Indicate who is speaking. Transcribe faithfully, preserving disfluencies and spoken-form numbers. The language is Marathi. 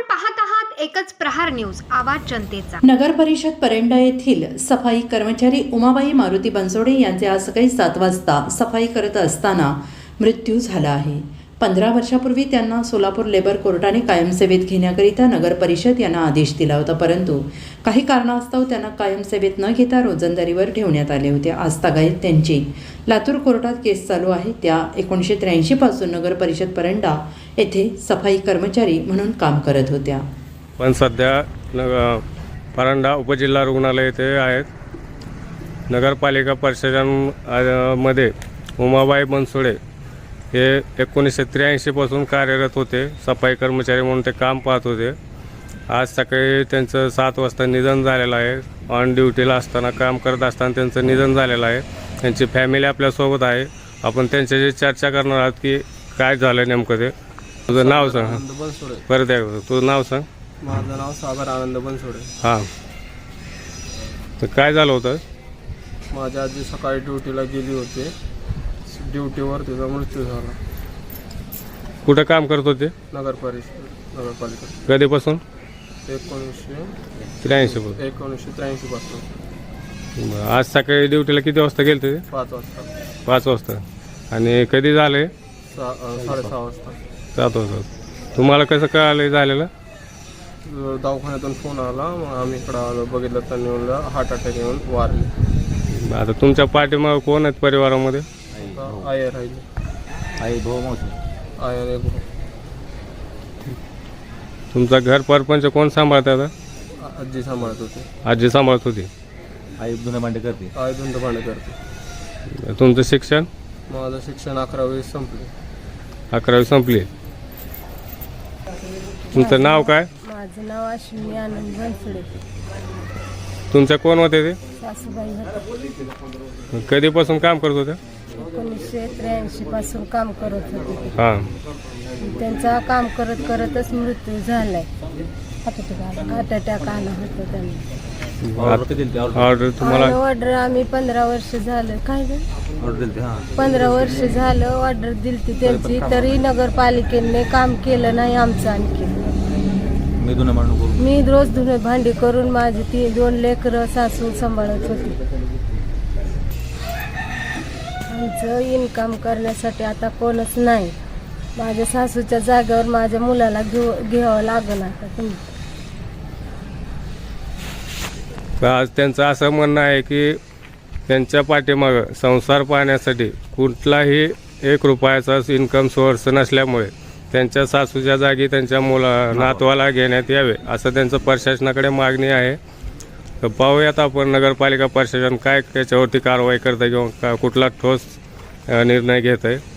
Speaker 1: पाहत आहात एकच प्रहार न्यूज, आवाज जनतेचा।
Speaker 2: नगर परिषद परंडा येथील सफाई कर्मचारी उमाबाई मारुती बनसोडे यांचे आज सकाळी सात वाजता सफाई करत असताना मृत्यू झाला आहे। पंधरा वर्षापूर्वी त्यांना सोलापूर लेबर कोर्टाने कायमसेवेत घेण्याकरिता नगर परिषद यांना आदेश दिला होता, परंतु काही कारणास्तव त्यांना कायमसेवेत न घेता रोजंदारीवर ठेवण्यात आले होते। आज तागायत त्यांची लातूर कोर्टात केस चालू आहे। त्या एकोणीसशे त्र्याऐंशी पासून नगर परिषद परंडा येथे सफाई कर्मचारी म्हणून काम करत होत्या,
Speaker 3: पण सध्या नग परंडा उपजिल्हा रुग्णालय येथे आहेत। नगरपालिका परिषदांमध्ये उमाबाई बनसोडे हे एकोणीसशे त्र्याऐंशीपासून कार्यरत होते, सफाई कर्मचारी म्हणून ते काम पाहत होते। आज सकाळी त्यांचं सात वाजता निधन झालेलं आहे। ऑन ड्युटीला असताना काम करत असताना त्यांचं निधन झालेलं आहे। त्यांची फॅमिली आपल्यासोबत आहे। आपण त्यांच्याशी चर्चा करणार आहोत की काय झालं नेमकं ते। तुझं नाव सांग।
Speaker 4: आनंद बनसोडे।
Speaker 3: परत एकदा तुझं नाव सांग।
Speaker 4: माझं नाव सागर आनंद बनसोडे।
Speaker 3: हां, तर काय झालं होतं?
Speaker 4: माझी आजी सकाळी ड्युटीला गेली होती, ड्युटीवर तिचा मृत्यू झाला।
Speaker 3: कुठं काम करत होते?
Speaker 4: नगर परिषद नगरपालिका
Speaker 3: कधीपासून?
Speaker 4: एकोणीसशे
Speaker 3: त्र्याऐंशी पासून।
Speaker 4: एकोणीसशे त्र्याऐंशी पासून।
Speaker 3: आज सकाळी ड्युटीला किती वाजता गेले ते?
Speaker 4: पाच वाजता।
Speaker 3: पाच वाजता। आणि कधी झाले?
Speaker 4: सा साडेसहा वाजता।
Speaker 3: सात वाजता। तुम्हाला कसं कळालं झालेलं?
Speaker 4: दवाखान्यातून फोन आला, मग आम्ही इकडं आलो, बघितलं तर म्हणलं हार्ट अटॅक येऊन वारले।
Speaker 3: आता तुमच्या पाठीमागं कोण आहेत परिवारामध्ये?
Speaker 4: आय राहिली,
Speaker 5: आई भाऊ मावशी
Speaker 4: आय आणि भाऊ।
Speaker 3: तुमचा घर परपंच कोण सांभाळत आता?
Speaker 4: आजी सांभाळत होती।
Speaker 3: आजी सांभाळत होती।
Speaker 5: आई धुणं भांडे करते।
Speaker 4: आई धुंद भांडे करते।
Speaker 3: तुमचं शिक्षण?
Speaker 4: माझं शिक्षण अकरावी संपले।
Speaker 3: अकरावी संपली। तुमचं नाव काय?
Speaker 6: माझं नाव अश्विनी आनंद बनसोडे।
Speaker 3: तुमच्या कोण होते ते?
Speaker 6: सासूबाई होते।
Speaker 3: कधीपासून काम करत होते?
Speaker 6: एकोणीसशे त्र्याऐंशी पासून काम करत होते।
Speaker 3: हां,
Speaker 6: त्यांचा काम करत करतच मृत्यू झालाय। हार्ट अटॅक आला होता त्यांना।
Speaker 5: ऑर्डर दिली
Speaker 3: ऑर्डर तुम्हाला?
Speaker 6: ऑर्डर आम्ही पंधरा वर्ष झालं काय झालं
Speaker 5: ऑर्डर दिली हां
Speaker 6: पंधरा वर्ष झालं ऑर्डर दिली त्यांची, तरी नगरपालिकेने काम केलं नाही आमचं। आणखी
Speaker 5: मी धुणं भांडण करून
Speaker 6: मी रोज धुणे भांडी करून माझी ती दोन लेकरं सासू सांभाळत होती। आमचं इन्कम करण्यासाठी आता कोणच नाही। माझ्या सासूच्या जागेवर माझ्या मुलाला घेऊ घ्यावं लागलं आता तुम्ही।
Speaker 3: आज त्यांचं असं म्हणणं आहे की त्यांच्या पाठीमागं संसार पाहण्यासाठी कुठलाही एक रुपयाचा इन्कम सोर्स नसल्यामुळे त्यांच्या सासूच्या जागी त्यांच्या मुला नातवाला घेण्यात यावे असं त्यांचं प्रशासनाकडे मागणी आहे। तर पाहूयात आपण नगरपालिका प्रशासन काय त्याच्यावरती कारवाई करतं किंवा का कुठला ठोस निर्णय घेत आहे।